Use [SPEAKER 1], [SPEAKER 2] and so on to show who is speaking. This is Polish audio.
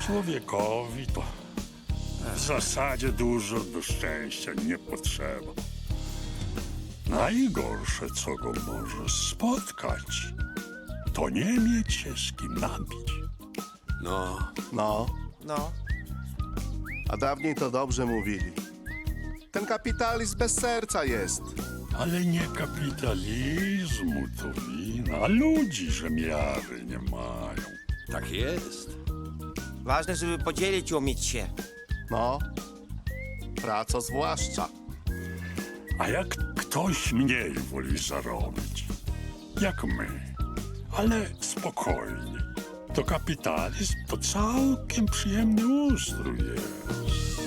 [SPEAKER 1] Człowiekowi to w zasadzie dużo do szczęścia nie potrzeba. Najgorsze, co go może spotkać, to nie mieć się z kim napić.
[SPEAKER 2] No,
[SPEAKER 3] No,
[SPEAKER 4] A dawniej to dobrze mówili. Ten kapitalizm bez serca jest.
[SPEAKER 1] Ale nie kapitalizmu to wina, a ludzi, że miary nie mają.
[SPEAKER 2] tak jest.
[SPEAKER 3] ważne, żeby podzielić i umieć się.
[SPEAKER 4] No, praco zwłaszcza.
[SPEAKER 1] A jak ktoś mniej woli zarobić, jak my, ale spokojnie, to kapitalizm to całkiem przyjemny ustrój jest.